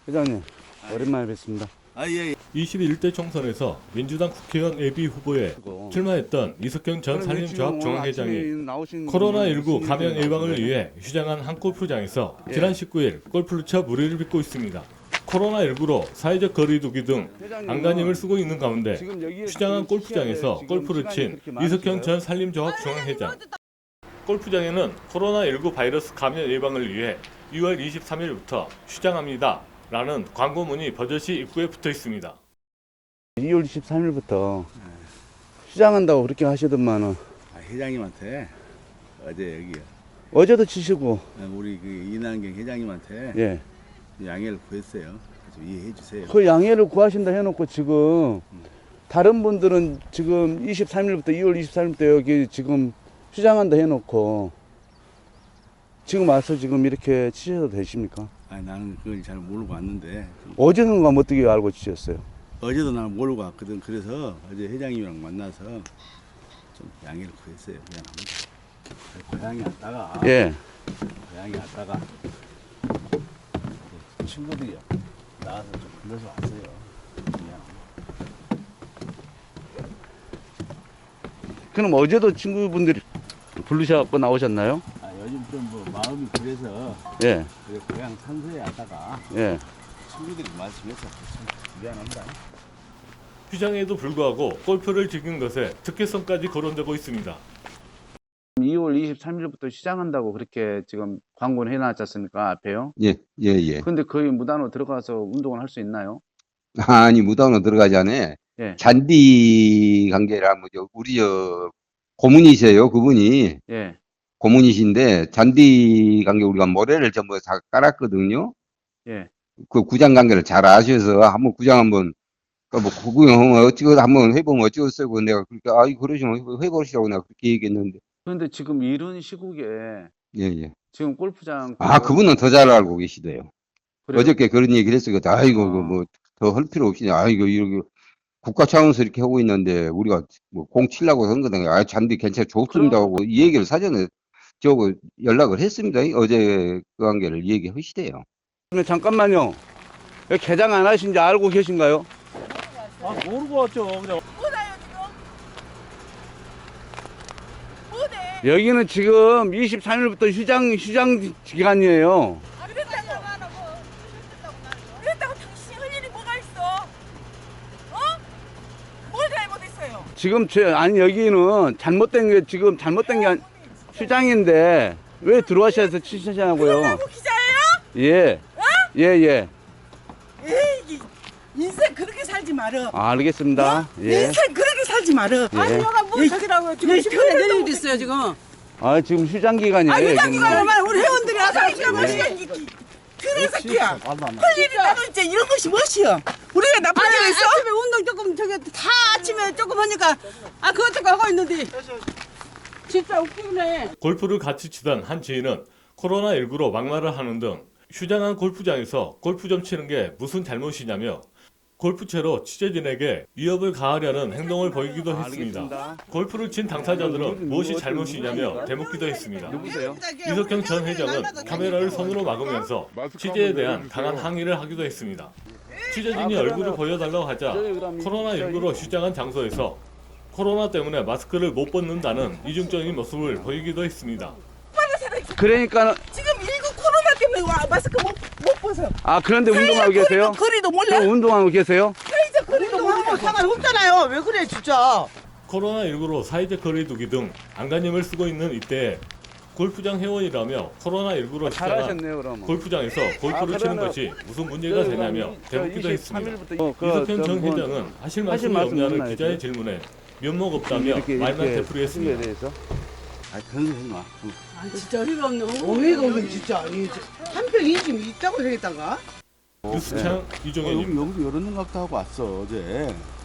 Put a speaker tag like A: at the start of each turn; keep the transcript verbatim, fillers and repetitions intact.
A: 회장님, 오랜만에 뵙습니다.
B: 아, 예, 예.
C: 이십일 대 총선에서 민주당 국회의원 예비 후보에 출마했던 이석경 전 산림조합 중앙회장이 코로나십구 감염 예방을 위해 휴장한 한 골프장에서
A: 예.
C: 지난 십구 일 골프를 쳐 무리를 빚고 있습니다. 코로나십구로 사회적 거리두기 등 안간힘을 쓰고 있는 가운데 휴장한 골프장에서 골프를 친 이석경 전 산림조합 중앙회장. 골프장에는 코로나십구 바이러스 감염 예방을 위해 유월 이십삼일부터 휴장합니다 라는 광고문이 버젓이 입구에 붙어 있습니다.
A: 이월 이십삼일부터 휴장한다고 그렇게 하시더만은
B: 아, 회장님한테 어제 여기
A: 어제도 치시고
B: 우리 그 이난경 회장님한테
A: 예.
B: 양해를 구했어요. 좀 이해해 주세요.
A: 그 양해를 구하신다 해놓고 지금 다른 분들은 지금 이십삼일부터 이월 이십삼일부터 여기 지금 휴장한다 해놓고 지금 와서 지금 이렇게 치셔도 되십니까?
B: 아니, 나는 그걸 잘 모르고 왔는데
A: 어제는 그럼 어떻게 알고 치셨어요?
B: 어제도 나는 모르고 왔거든. 그래서 어제 회장님이랑 만나서 좀 양해를 구했어요. 미안합니다. 고향에 왔다가
A: 예.
B: 고향에 왔다가 친구들이요 나와서 좀 불러서 왔어요. 미안합니다.
A: 그럼 어제도 친구분들이 부르셔갖고 나오셨나요?
B: 아, 요즘 좀 뭐 마음이 그래서
A: 예.
B: 그래, 고향 산소에 왔다가
A: 예.
B: 친구들이 말씀해서 참 미안합니다.
C: 휴장에도 불구하고 골프를 즐긴 것에 특혜성까지 거론되고 있습니다.
A: 이월 이십삼일부터 시작한다고 그렇게 지금 광고를 해놨지 않습니까? 앞에요.
D: 예, 예, 예.
A: 근데 거기 무단으로 들어가서 운동을 할 수 있나요?
D: 아니, 무당으로 들어가지 않아.
A: 예.
D: 잔디 관계라, 뭐, 저, 우리, 저, 고문이세요, 그분이.
A: 예.
D: 고문이신데, 잔디 관계 우리가 모래를 전부 다 깔았거든요.
A: 예.
D: 그 구장 관계를 잘 아셔서 한번 구장 한번, 그뭐 구경 어찌고 한번 해보면 어찌겠어요. 내가 그렇게, 아이, 그러시면 해보시라고 내가 그렇게 얘기했는데.
A: 그런데 지금 이런 시국에
D: 예, 예.
A: 지금 골프장
D: 아, 그분은 더 잘 알고 계시대요.
A: 그래요?
D: 어저께 그런 얘기를 했어요. 아이고,
A: 아.
D: 그 뭐, 더 할 필요 없이, 아이고, 이렇게, 국가 차원에서 이렇게 하고 있는데, 우리가 뭐, 공 치려고 한 거다. 아, 잔디 괜찮아, 좋습니다.
A: 그럼-
D: 하고, 이 얘기를 사전에, 저거, 연락을 했습니다. 어제 그 관계를 얘기하시대요.
A: 그러면 잠깐만요. 여기 개장 안 하신지 알고 계신가요?
B: 아, 모르고 왔죠. 그냥.
E: 뭐나요 지금? 뭐네?
A: 여기는 지금 이십삼일부터 휴장 휴장 기간이에요.
E: 아, 그랬다고 안 하고 그랬다고 당신이 할 일이 뭐가 있어? 어? 뭘 잘못했어요?
A: 지금 제 아니 여기는 잘못된 게 지금 잘못된 게 아니, 휴장인데 왜 들어와셔서 치시냐고요?
E: 그러고 기자예요?
A: 예. 예, 예.
E: 에이, 인생 그렇게 살지 말어.
A: 아, 알겠습니다. 예.
E: 인생 그렇게 살지 말어.
A: 예.
E: 아니 여가 뭐 저기라고 지금 시간에 내릴 일 있어요 지금.
A: 아, 지금 휴장 기간이에요.
E: 아 회장님가
A: 여기는.
E: 얼마나 우리 회원들이 와서 시간
A: 예.
E: 뭐시야 그런 새끼야. 할 일이 나도 이제 이런 것이 무엇이야? 우리가 나쁜 일 했어? 아침에 운동 조금 저기 다 아침에 조금 하니까 아 그것도 하고 있는데 진짜 웃기네.
C: 골프를 같이 치던 한 지인은 코로나십구로 막말을 하는 등 휴장한 골프장에서 골프 좀 치는 게 무슨 잘못이냐며 골프채로 취재진에게 위협을 가하려는 행동을 보이기도 했습니다.
A: 알겠습니다.
C: 골프를 친 당사자들은 무엇이 잘못이냐며 대묻기도 했습니다.
A: 누구세요?
C: 이석경 전 회장은 카메라를 손으로 막으면서 취재에 대한 강한 항의를 하기도 했습니다. 취재진이 얼굴을 보여달라고 하자 코로나십구로 휴장한 장소에서 코로나 때문에 마스크를 못 벗는다는 이중적인 모습을 보이기도 했습니다.
A: 그러니까
E: 지금 일구 코로나 때문에 와 마스크 못, 못 벗어.
A: 아, 그런데 운동하고 계세요?
E: 거리도 몰라.
A: 그럼 운동하고 계세요?
E: 사회적 거리도 몰라. 상관없잖아요. 왜 그래 진짜.
C: 코로나십구로 사회적 거리두기 등 안간힘을 쓰고 있는 이때에 골프장 회원이라며 코로나십구로
A: 아,
C: 휴장한
A: 잘하셨네요, 그러면.
C: 골프장에서 골프를
A: 아,
C: 치는
A: 그러면
C: 것이 무슨 문제가 되냐며 대묻기도 했습니다.
A: 어, 그,
C: 이석경 전
A: 뭐,
C: 회장은 하실
A: 하실
C: 말씀이
A: 말씀
C: 없냐는
A: 없나요,
C: 기자의
A: 지금?
C: 질문에 면목 없다며
A: 이렇게
C: 말만
A: 이렇게
C: 되풀이했습니다.
A: 대해서
B: 아, 그런 거 하지 마.
E: 아 진짜 어이가 없네. 어이가 없네 진짜. 한평 인심이 있다고 생겼다가.
C: 뉴스창
B: 어,
C: 이종현입니다.
B: 여기, 여기도 열었는 것 같다 하고 왔어, 어제.